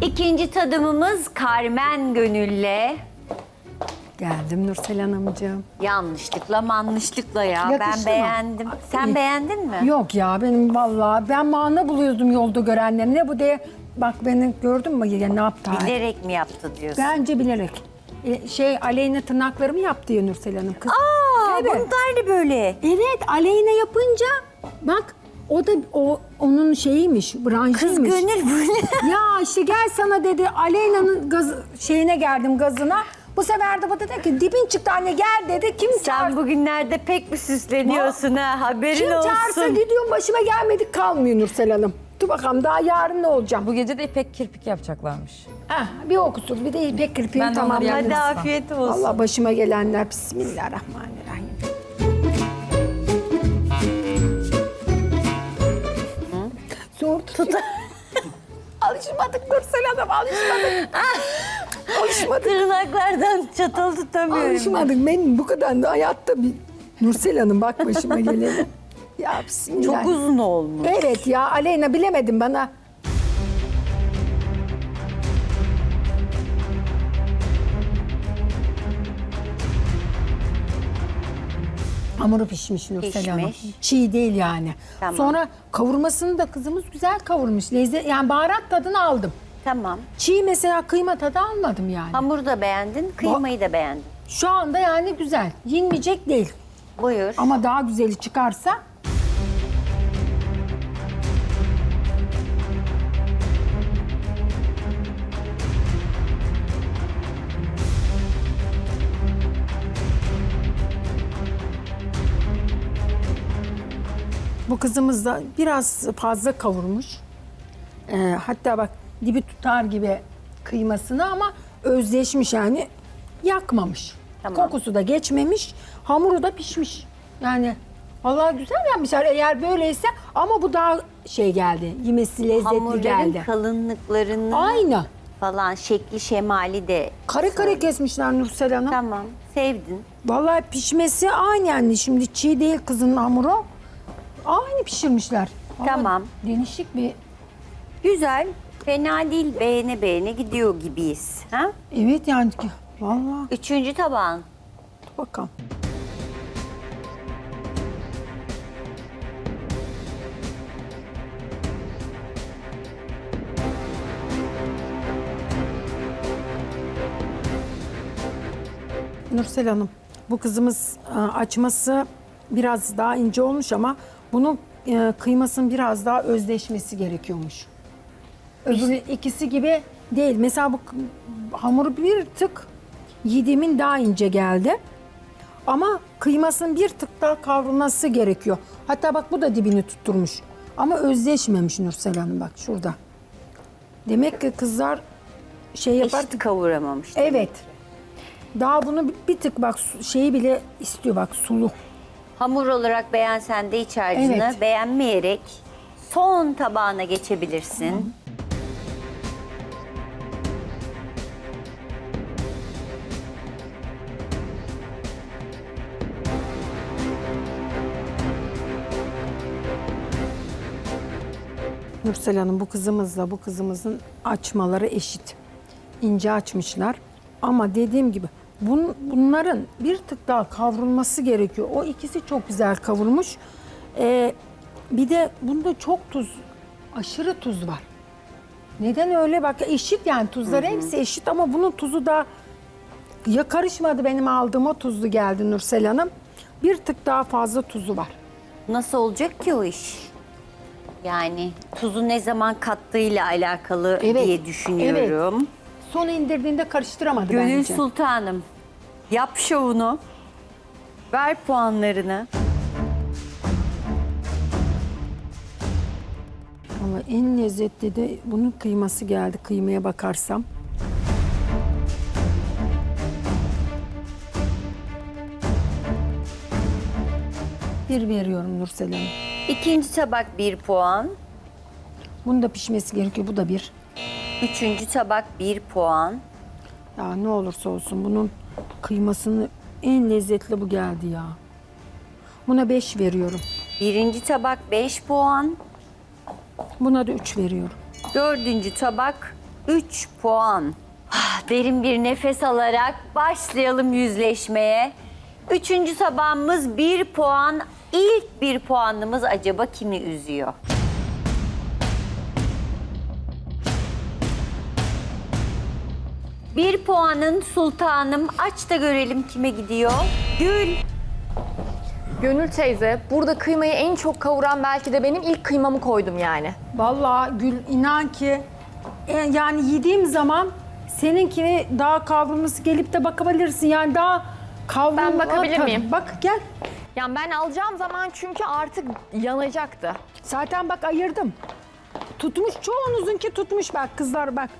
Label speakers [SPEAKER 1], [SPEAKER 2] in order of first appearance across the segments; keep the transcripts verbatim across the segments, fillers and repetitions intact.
[SPEAKER 1] İkinci tadımımız Carmen Gönül'le.
[SPEAKER 2] Geldim Nursel Hanımcığım.
[SPEAKER 1] Yanlışlıkla manlışlıkla ya.
[SPEAKER 2] Yakıştı
[SPEAKER 1] Ben
[SPEAKER 2] mı?
[SPEAKER 1] beğendim. Sen
[SPEAKER 2] İyi.
[SPEAKER 1] beğendin mi?
[SPEAKER 2] Yok ya benim vallahi ben mana buluyordum yolda görenler. Ne bu diye bak beni gördün mü ya ne yaptı?
[SPEAKER 1] Bilerek mi yaptı diyorsun?
[SPEAKER 2] Bence bilerek. E, şey Aleyna tırnaklarımı yaptı ya Nursel Hanım. Kız.
[SPEAKER 1] Aa,
[SPEAKER 2] Evet.
[SPEAKER 1] bunlar da böyle.
[SPEAKER 2] Evet Aleyna yapınca bak o da o onun şeyiymiş, branşıymış.
[SPEAKER 1] Kız Gönül böyle.
[SPEAKER 2] Ya işte gel sana dedi Aleyna'nın gaz, şeyine geldim gazına. Bu sefer de bu dedi ki dibin çıktı anne gel dedi. Kim
[SPEAKER 1] Sen
[SPEAKER 2] çağır?
[SPEAKER 1] bugünlerde pek mi süsleniyorsun ha? Haberin
[SPEAKER 2] Kim çağırsa
[SPEAKER 1] olsun.
[SPEAKER 2] gidiyorum başıma gelmedik kalmıyor Nursel Hanım. Dur bakalım daha yarın ne olacağım?
[SPEAKER 3] Bu gece de ipek kirpik yapacaklarmış.
[SPEAKER 2] Heh, bir okusuz bir de ipek kirpiğini
[SPEAKER 3] Ben de onları
[SPEAKER 2] tamamladım.
[SPEAKER 3] yaptım.
[SPEAKER 1] Hadi afiyet olsun.
[SPEAKER 2] Allah başıma gelenler bismillahirrahmanirrahim. Zor tut. Alışmadık Nursel Hanım alışmadık. alışmadık.
[SPEAKER 1] Tırnaklardan çatal tutamıyorum.
[SPEAKER 2] Alışmadık. Benim bu kadar da hayatta bir... Nursel Hanım bak başıma geleni. Ya bismillah.
[SPEAKER 1] Çok uzun olmuş.
[SPEAKER 2] Evet ya Aleyna bilemedim bana. Hamuru pişmiş Nursel Hanım.
[SPEAKER 1] Pişmiş.
[SPEAKER 2] Çiğ değil yani.
[SPEAKER 1] Tamam.
[SPEAKER 2] Sonra kavurmasını da kızımız güzel kavurmuş. Lezzet, yani baharat tadını aldım.
[SPEAKER 1] Tamam.
[SPEAKER 2] Çiğ mesela kıyma tadı almadım yani.
[SPEAKER 1] Hamuru da beğendin, kıymayı da beğendin.
[SPEAKER 2] Şu anda yani güzel. Yenmeyecek değil.
[SPEAKER 1] Buyur.
[SPEAKER 2] Ama daha güzeli çıkarsa bu kızımız da biraz fazla kavurmuş. Ee, hatta bak dibi tutar gibi kıymasını ama özleşmiş yani yakmamış.
[SPEAKER 1] Tamam.
[SPEAKER 2] Kokusu da geçmemiş. Hamuru da pişmiş. Yani vallahi güzel yapmışlar eğer böyleyse ama bu daha şey geldi. Yemesi lezzetli
[SPEAKER 1] Hamurların
[SPEAKER 2] geldi.
[SPEAKER 1] kalınlıklarını
[SPEAKER 2] Aynı.
[SPEAKER 1] falan şekli şemali de.
[SPEAKER 2] Kare kare kesmişler Nursel Hanım.
[SPEAKER 1] Tamam. Sevdin.
[SPEAKER 2] Vallahi pişmesi aynı yani. Şimdi çiğ değil kızın hamuru. Aynı pişirmişler. Ama
[SPEAKER 1] Tamam.
[SPEAKER 2] Değişik bir...
[SPEAKER 1] Güzel. Fena değil. Beğene beğene gidiyor gibiyiz. Ha?
[SPEAKER 2] Evet yani ki vallahi
[SPEAKER 1] Üçüncü tabağın.
[SPEAKER 2] bakalım. Nursel Hanım, bu kızımız e, açması biraz daha ince olmuş ama bunun e, kıymasının biraz daha özleşmesi gerekiyormuş. Öbürü ikisi gibi değil. Mesela bu k- hamuru bir tık yediğimin daha ince geldi. Ama kıymasının bir tık daha kavrulması gerekiyor. Hatta bak bu da dibini tutturmuş. Ama özleşmemiş Nursel Hanım bak şurada. Demek ki kızlar şey yapar.
[SPEAKER 1] Eşit kavuramamış.
[SPEAKER 2] Evet. Daha bunu bir- bir tık bak su- şeyi bile istiyor bak sulu.
[SPEAKER 1] Hamur olarak beğensen de iç harcını
[SPEAKER 2] Evet.
[SPEAKER 1] beğenmeyerek son tabağına geçebilirsin.
[SPEAKER 2] Nursel Hanım bu kızımızla bu kızımızın açmaları eşit. İnce açmışlar. Ama dediğim gibi bun, bunların bir tık daha kavrulması gerekiyor. O ikisi çok güzel kavrulmuş. Ee, bir de bunda çok tuz, aşırı tuz var. Neden öyle? Bak eşit yani tuzları hepsi eşit ama bunun tuzu da ya karışmadı benim aldığım o tuzlu geldi Nursel Hanım. Bir tık daha fazla tuzu var.
[SPEAKER 1] Nasıl olacak ki o iş? Yani tuzu ne zaman kattığıyla alakalı
[SPEAKER 2] Evet,
[SPEAKER 1] diye düşünüyorum.
[SPEAKER 2] Son indirdiğinde karıştıramadı
[SPEAKER 1] Gönül
[SPEAKER 2] bence.
[SPEAKER 1] Sultanım, yap şovunu, ver puanlarını.
[SPEAKER 2] Ama en lezzetli de bunun kıyması geldi kıymaya bakarsam. Bir veriyorum Nursel Hanım.
[SPEAKER 1] İkinci tabak bir puan,
[SPEAKER 2] Bunun da pişmesi gerekiyor. Bu da bir.
[SPEAKER 1] üçüncü tabak bir puan,
[SPEAKER 2] Ya ne olursa olsun bunun kıymasını en lezzetli bu geldi ya. Buna beş veriyorum.
[SPEAKER 1] birinci tabak beş puan,
[SPEAKER 2] Buna da üç veriyorum.
[SPEAKER 1] dördüncü tabak üç puan. Ah, derin bir nefes alarak başlayalım yüzleşmeye. Üçüncü tabağımız bir puan. İlk bir puanımız acaba kimi üzüyor? Bir puanın sultanım. Aç da görelim kime gidiyor. Gül.
[SPEAKER 4] Gönül teyze, burada kıymayı en çok kavuran belki de benim ilk kıymamı koydum yani.
[SPEAKER 2] Vallahi Gül inan ki e, yani yediğim zaman seninkini daha kavrulması gelip de bakabilirsin. Yani daha kavrulma.
[SPEAKER 4] Ben bakabilir
[SPEAKER 2] tabii.
[SPEAKER 4] miyim?
[SPEAKER 2] Bak gel.
[SPEAKER 4] Yani ben alacağım zaman çünkü artık yanacaktı.
[SPEAKER 2] Zaten bak ayırdım. Tutmuş çoğunuzunki tutmuş bak kızlar bak.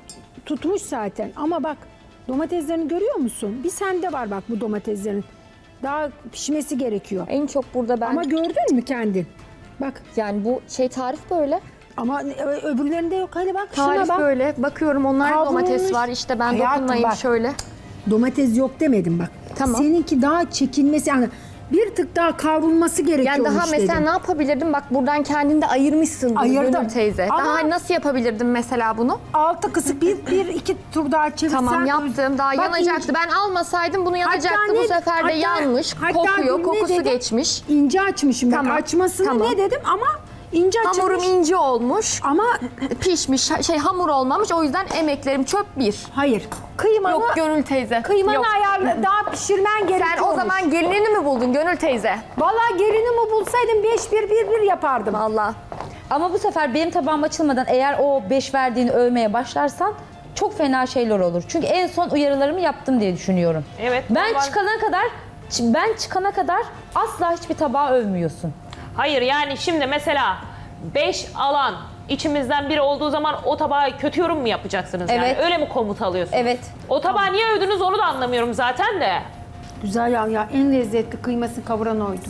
[SPEAKER 2] Tutmuş zaten ama bak domateslerini görüyor musun? Bir sende var bak bu domateslerin. Daha pişmesi gerekiyor.
[SPEAKER 4] En çok burada ben...
[SPEAKER 2] Ama gördün mü kendin? Bak
[SPEAKER 4] yani bu şey tarif böyle.
[SPEAKER 2] ama ö- öbürlerinde yok. Hadi bak şuna
[SPEAKER 4] Tarif
[SPEAKER 2] bak.
[SPEAKER 4] böyle. Bakıyorum onlar
[SPEAKER 2] Kavrulmuş.
[SPEAKER 4] domates var. İşte ben
[SPEAKER 2] Hayatım
[SPEAKER 4] dokunmayayım
[SPEAKER 2] bak.
[SPEAKER 4] şöyle.
[SPEAKER 2] Domates yok demedim bak.
[SPEAKER 4] Tamam.
[SPEAKER 2] Seninki daha çekilmesi yani bir tık daha kavrulması gerekiyormuş
[SPEAKER 4] Yani daha mesela
[SPEAKER 2] dedim.
[SPEAKER 4] ne yapabilirdim? Bak buradan kendinde ayırmışsın
[SPEAKER 2] Ayırdım.
[SPEAKER 4] Gönül teyze.
[SPEAKER 2] Ama-
[SPEAKER 4] Daha nasıl yapabilirdim mesela bunu?
[SPEAKER 2] Altı kısık bir, bir iki tur daha çevirsen.
[SPEAKER 4] Tamam yaptım. Daha
[SPEAKER 2] Bak,
[SPEAKER 4] yanacaktı.
[SPEAKER 2] ince-
[SPEAKER 4] Ben almasaydım bunu yanacaktı.
[SPEAKER 2] Hatta
[SPEAKER 4] Bu
[SPEAKER 2] ne-
[SPEAKER 4] sefer de
[SPEAKER 2] hatta-
[SPEAKER 4] yanmış.
[SPEAKER 2] hatta
[SPEAKER 4] Kokuyor.
[SPEAKER 2] ne
[SPEAKER 4] Kokusu
[SPEAKER 2] dedim?
[SPEAKER 4] geçmiş.
[SPEAKER 2] İnce açmışım bak.
[SPEAKER 4] Tamam,
[SPEAKER 2] Açmasını
[SPEAKER 4] tamam.
[SPEAKER 2] ne dedim ama ince açılmış.
[SPEAKER 4] Hamurum ince olmuş.
[SPEAKER 2] Ama
[SPEAKER 4] Pişmiş. Şey hamur olmamış. O yüzden emeklerim çöp bir.
[SPEAKER 2] hayır. Kıymanı,
[SPEAKER 4] Yok Gönül teyze.
[SPEAKER 2] kıymanı
[SPEAKER 4] Yok.
[SPEAKER 2] ayarla daha pişirmen gerekiyormuş.
[SPEAKER 4] Sen o zaman gelinini mi buldun Gönül teyze?
[SPEAKER 2] Vallahi gelinimi bulsaydım beş bir bir bir yapardım.
[SPEAKER 4] Vallahi.
[SPEAKER 3] Ama bu sefer benim tabağım açılmadan eğer o beş verdiğini övmeye başlarsan çok fena şeyler olur. Çünkü en son uyarılarımı yaptım diye düşünüyorum.
[SPEAKER 5] Evet,
[SPEAKER 3] Ben
[SPEAKER 5] normal.
[SPEAKER 3] çıkana kadar ben çıkana kadar asla hiçbir tabağı övmüyorsun.
[SPEAKER 5] Hayır yani şimdi mesela beş alan içimizden biri olduğu zaman o tabağa kötü yorum mu yapacaksınız yani?
[SPEAKER 3] Evet.
[SPEAKER 5] Öyle mi komut alıyorsunuz?
[SPEAKER 3] Evet.
[SPEAKER 5] O tabağı niye övdünüz onu da anlamıyorum zaten de.
[SPEAKER 2] Güzel ya, ya en lezzetli kıyması kavuran oydu.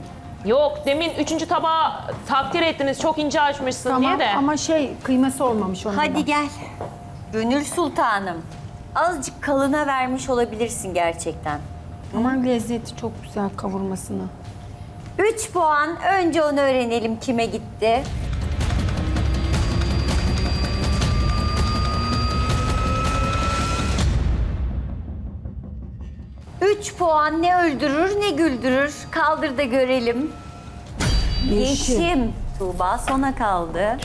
[SPEAKER 5] Yok demin üçüncü tabağı takdir ettiniz çok ince açmışsın
[SPEAKER 2] Tamam
[SPEAKER 5] diye de.
[SPEAKER 2] ama şey kıyması olmamış onun.
[SPEAKER 1] Hadi gel. Gönül Sultanım. Azıcık kalına vermiş olabilirsin gerçekten.
[SPEAKER 2] Ama lezzeti çok güzel kavurmasını.
[SPEAKER 1] üç puan. Önce onu öğrenelim kime gitti. üç puan ne öldürür ne güldürür. Kaldır da görelim.
[SPEAKER 2] Yeşim.
[SPEAKER 1] Yeşim. Tuğba sona kaldı.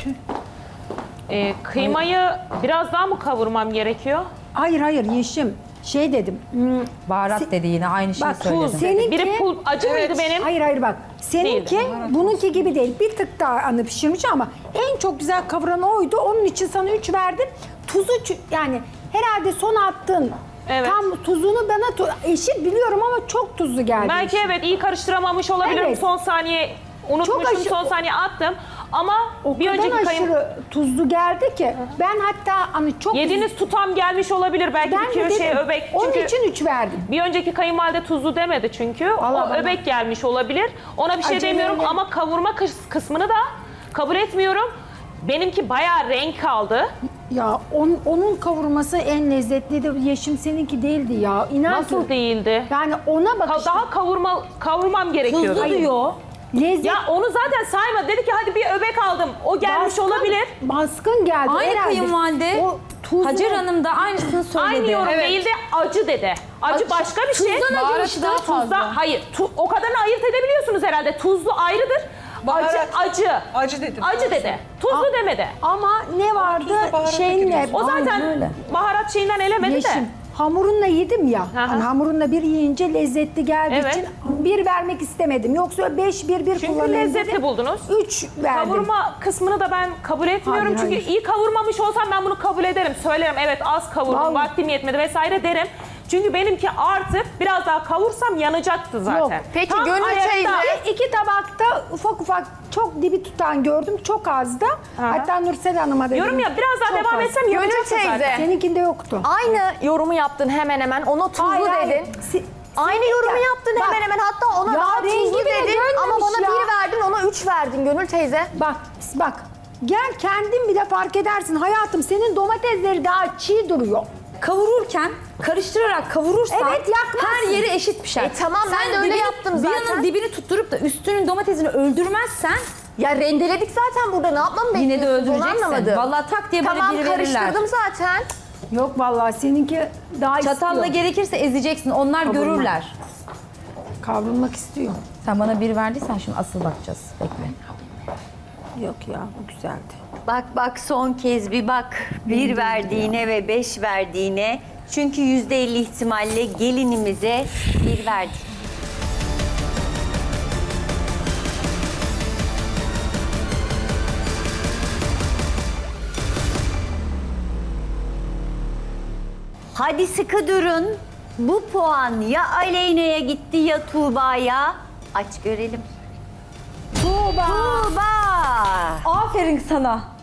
[SPEAKER 5] Ee, kıymayı biraz daha mı kavurmam gerekiyor?
[SPEAKER 2] Hayır hayır Yeşim. Şey dedim. hmm,
[SPEAKER 3] Baharat
[SPEAKER 2] Se-
[SPEAKER 3] dedi yine aynı şeyi
[SPEAKER 2] Bak
[SPEAKER 3] söyledim.
[SPEAKER 2] seninki...
[SPEAKER 5] Biri pul acı mıydı benim?
[SPEAKER 2] Hayır hayır bak. Seninki
[SPEAKER 5] Değildi.
[SPEAKER 2] bununki gibi değil. Bir tık daha anı pişirmiş ama en çok güzel kavuran oydu. Onun için sana üç verdim. Tuzu ç- yani herhalde son attığın
[SPEAKER 5] Evet.
[SPEAKER 2] tam tuzunu bana tu- eşit biliyorum ama çok tuzlu geldi.
[SPEAKER 5] Belki evet iyi karıştıramamış olabilirim.
[SPEAKER 2] Evet.
[SPEAKER 5] Son saniye unutmuşum.
[SPEAKER 2] aşı-
[SPEAKER 5] Son saniye attım. Ama
[SPEAKER 2] O
[SPEAKER 5] bir
[SPEAKER 2] kadar
[SPEAKER 5] önceki kayın...
[SPEAKER 2] aşırı tuzlu geldi ki ben hatta hani çok
[SPEAKER 5] Yediğiniz tutam gelmiş olabilir. Belki
[SPEAKER 2] ben
[SPEAKER 5] bir
[SPEAKER 2] de
[SPEAKER 5] kere şey
[SPEAKER 2] dedim,
[SPEAKER 5] öbek.
[SPEAKER 2] onun
[SPEAKER 5] Çünkü
[SPEAKER 2] için üç verdim.
[SPEAKER 5] bir önceki kayınvalide tuzlu demedi çünkü.
[SPEAKER 2] Vallahi
[SPEAKER 5] o
[SPEAKER 2] bana-
[SPEAKER 5] öbek gelmiş olabilir. Ona bir şey
[SPEAKER 2] Acele
[SPEAKER 5] demiyorum
[SPEAKER 2] öyle.
[SPEAKER 5] ama kavurma kıs- kısmını da kabul etmiyorum. Benimki bayağı renk kaldı.
[SPEAKER 2] Ya on, onun kavurması en lezzetliydi. Yeşim seninki değildi ya. İnan
[SPEAKER 5] Nasıl
[SPEAKER 2] ki-
[SPEAKER 5] değildi?
[SPEAKER 2] Yani ona
[SPEAKER 5] Ka-
[SPEAKER 2] bakış.
[SPEAKER 5] Daha kavurma kavurmam gerekiyordu.
[SPEAKER 3] Tuzlu diyor.
[SPEAKER 2] Lezzet
[SPEAKER 5] Ya onu zaten sayma. Dedi ki hadi bir öbek aldım. O gelmiş
[SPEAKER 2] baskın-
[SPEAKER 5] olabilir.
[SPEAKER 2] Baskın geldi
[SPEAKER 3] Aynı
[SPEAKER 2] herhalde.
[SPEAKER 3] kayınvalide
[SPEAKER 2] O tuzlu.
[SPEAKER 3] Hacer Hanım da aynısını söyledi.
[SPEAKER 5] Aynı yorum değil de acı dedi. Acı,
[SPEAKER 3] Acı-
[SPEAKER 5] başka bir şey.
[SPEAKER 3] tuzdan acımıştı.
[SPEAKER 5] Tuzda-
[SPEAKER 3] Fazla.
[SPEAKER 5] hayır. Tu, o kadarını ayırt edebiliyorsunuz herhalde. Tuzlu ayrıdır.
[SPEAKER 6] Baharat.
[SPEAKER 5] Acı, acı.
[SPEAKER 6] Acı dedim.
[SPEAKER 5] Acı dedi. Tuzlu
[SPEAKER 2] Aa,
[SPEAKER 5] demedi.
[SPEAKER 2] Ama ne vardı
[SPEAKER 6] tuzla baharata
[SPEAKER 2] şeyinle.
[SPEAKER 6] giriyorsun.
[SPEAKER 5] O zaten
[SPEAKER 3] Aynen öyle.
[SPEAKER 5] baharat şeyinden elemedi
[SPEAKER 2] Yeşim.
[SPEAKER 5] de.
[SPEAKER 2] Hamurunla yedim ya.
[SPEAKER 5] hı.
[SPEAKER 2] Hani hamurunla bir yiyince lezzetli geldiği
[SPEAKER 5] Evet.
[SPEAKER 2] için bir vermek istemedim. Yoksa beş bir bir
[SPEAKER 5] Çünkü
[SPEAKER 2] kullanayım
[SPEAKER 5] lezzetli
[SPEAKER 2] dedim.
[SPEAKER 5] buldunuz.
[SPEAKER 2] Üç verdim.
[SPEAKER 5] Kavurma kısmını da ben kabul etmiyorum.
[SPEAKER 2] Hayır,
[SPEAKER 5] Çünkü
[SPEAKER 2] hayır.
[SPEAKER 5] iyi kavurmamış olsam ben bunu kabul ederim. Söylerim evet az kavurdum,
[SPEAKER 2] Vallahi.
[SPEAKER 5] vaktim yetmedi vesaire derim. Çünkü benimki artık biraz daha kavursam yanacaktı zaten.
[SPEAKER 2] Yok.
[SPEAKER 4] Peki
[SPEAKER 5] Tam
[SPEAKER 4] Gönül
[SPEAKER 5] ayakta-
[SPEAKER 4] teyze-
[SPEAKER 2] İki, iki tabakta ufak ufak çok dibi tutan gördüm. Çok az da. Hatta Nursel Hanım'a dedim.
[SPEAKER 5] Diyorum ya biraz daha
[SPEAKER 2] çok
[SPEAKER 5] devam
[SPEAKER 2] az.
[SPEAKER 5] etsem
[SPEAKER 4] Gönül
[SPEAKER 5] yanacaktı
[SPEAKER 4] teyze.
[SPEAKER 5] zaten.
[SPEAKER 2] Seninkinde yoktu.
[SPEAKER 4] Aynı yorumu yaptın hemen hemen. Ona tuzlu
[SPEAKER 2] Hayır,
[SPEAKER 4] dedin.
[SPEAKER 2] hayır. Si-
[SPEAKER 4] Aynı
[SPEAKER 2] senin-
[SPEAKER 4] yorumu yaptın
[SPEAKER 2] Bak,
[SPEAKER 4] hemen hemen. Hatta ona
[SPEAKER 2] ya
[SPEAKER 4] daha
[SPEAKER 2] rengi
[SPEAKER 4] tuzlu
[SPEAKER 2] bile
[SPEAKER 4] dedin ama
[SPEAKER 2] dönmemiş
[SPEAKER 4] bana
[SPEAKER 2] ya.
[SPEAKER 4] bir verdin, ona üç verdin Gönül teyze.
[SPEAKER 2] Bak bak. Gel kendin bile fark edersin. Hayatım senin domatesleri daha çiğ duruyor.
[SPEAKER 3] Kavururken karıştırarak kavurursan
[SPEAKER 2] Evet, yakmazsın.
[SPEAKER 3] her yeri eşit pişer.
[SPEAKER 4] E tamam, ben de öyle
[SPEAKER 3] dibini-
[SPEAKER 4] yaptım
[SPEAKER 3] Bir
[SPEAKER 4] zaten.
[SPEAKER 3] yanın dibini tutturup da üstünün domatesini öldürmezsen
[SPEAKER 4] Ya rendeledik zaten burada. Ne yapmamı
[SPEAKER 3] Yine de
[SPEAKER 4] bekliyorsunuz onu
[SPEAKER 3] öldüreceksin.
[SPEAKER 4] anlamadım.
[SPEAKER 3] Vallahi tak diye böyle
[SPEAKER 4] Tamam
[SPEAKER 3] biri verirler.
[SPEAKER 4] karıştırdım zaten.
[SPEAKER 2] Yok vallahi seninki daha
[SPEAKER 3] Çatalla
[SPEAKER 2] istiyor.
[SPEAKER 3] gerekirse ezeceksin. Onlar
[SPEAKER 2] Kaburma.
[SPEAKER 3] görürler.
[SPEAKER 2] Kavrulmak istiyor.
[SPEAKER 3] Sen bana bir verdiysen şimdi asıl bakacağız. Bekle.
[SPEAKER 2] Yok ya bu güzeldi.
[SPEAKER 1] Bak bak son kez bir bak. Bir verdiğine ve beş verdiğine. Çünkü yüzde elli ihtimalle gelinimize bir verdi. Hadi sıkı durun. Bu puan ya Aleyna'ya gitti ya Tuğba'ya. Aç görelim.
[SPEAKER 2] Tuğba.
[SPEAKER 1] Tuğba.
[SPEAKER 3] Aferin sana.